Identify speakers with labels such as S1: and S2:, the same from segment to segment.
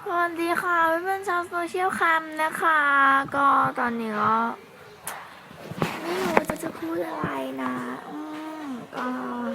S1: สวัสดีค่ะเพื่อนๆชาวโซเชียลแคมนะคะ ก็ตอนนี้ก็ไม่รู้จะพูดอะไรนะก็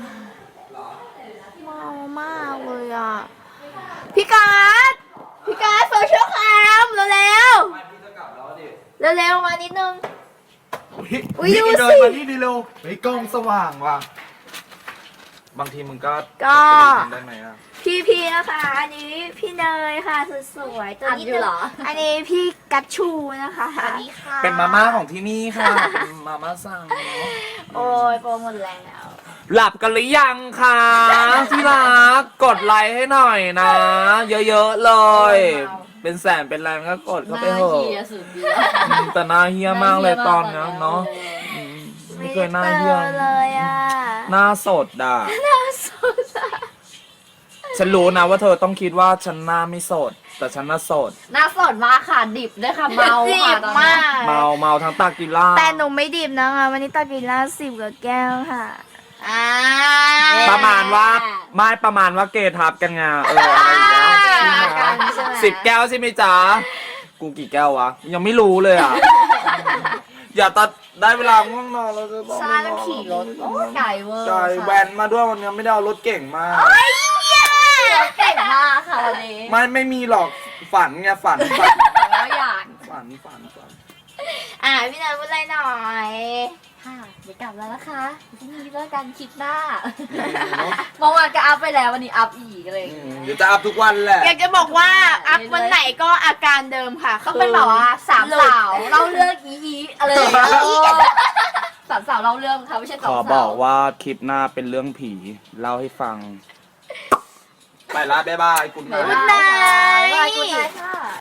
S1: เมามากเลยอ่ะพี่การ์ดโซเชียลแคมเร็วๆเร็วๆมานิดนึง อุ๊ย
S2: นี่
S1: ดู
S2: เดิ
S1: สิ
S2: นมานี่ดีเร็วเฮ้ยกล้องสว่างว่ะบางทีมึงก็
S1: ก็
S2: ได้ไหมอ่ะ
S1: พี่นะคะ อันนี้พี่เนยค่ะสุดสวยตัวนี้
S3: เหรอ
S1: อันนี้พี่กัตชูนะคะ
S3: สวัสดีค่ะ
S2: เป็นมาม่าของที่นี่ค่ะเป็นมาม่าสั่งเนาะ
S1: โอ้ยโปรหมดแล้ว
S2: หลับกันหรือยังคะที่รักกดไลค์ให้หน่อยนะ เยอะๆเลย เป็นแสนเป็นล้านก็กดเข้าไปเถอะ
S3: เฮียสุดเดียว
S2: แต่หน้าเฮี้ยมากเลยตอนนี้เนาะไม่เคยหน้าเฮี้ย
S1: ไม่ได้เจอเลยอ่ะ
S2: หน้าสดอ่ะ
S1: น่าสงสาร
S2: ฉันรู้นะว่าเธอต้องคิดว่าฉันหน้าไม่สด แต่ฉันน่าสด
S3: หน้าสดมากค่ะดิบด้วยค่ะเมา
S1: จี
S3: ค่ะ
S1: บ
S3: ตอน
S1: มา
S3: นี้
S1: ก
S2: เมาทั้งตากิล่า
S1: แต่หนูไม่ดิบนะคะวันนี้ตากินล่า10 กว่าแก้วค่ะ
S3: อ่า
S2: ประมาณว่าไม่ประมาณว่าเกทับกันไงอะไรอย่างเงี้ย
S1: กันใช่ไหม
S2: 10 แก้วใช่ไหมจ๊ะกูกี่แก้ววะยังไม่รู้เลยอ่ะ อย่าตัดได้เวลาง่วงนอนแล้วจะต้อง
S3: ซาต้องขี่รถโอ้ไก่เวอร์
S2: ใช่แวนมาด้วยวันนี้ไม่ได้เอารถเก่งมา
S3: เก่งมากค่ะวันนี้
S2: ไม่มีหรอกฝันไงฝัน
S3: แล้วอยาก
S2: ฝัน
S1: พี่เนยพูดอะไรหน่อย
S3: ค่ะเดี๋ยวกลับแล้วนะคะที่นี่แล้วกันคลิปหน้าเมื่อวานก็อัพไปแล้ววันนี้อัพอีกเลย
S2: เดี๋ยวจะอัพทุกวันแหละ
S1: อยากจะบอกว่าอัพวันไหนก็อาการเดิมค่ะ
S3: ต้องเป็นแบบว่าสามสาวเล่าเรื่องอีอะไรอย่างเงี้ยสามสาวเล่าเรื่องค่ะไม่ใช่ส
S2: ข
S3: อง
S2: อ
S3: สาว
S2: บอกว่าคลิปหน้าเป็นเรื่องผีเล่าให้ฟัง ไปละบ๊ายบายคุณ
S3: บ๊าย
S2: นะ
S3: บาย
S1: นาย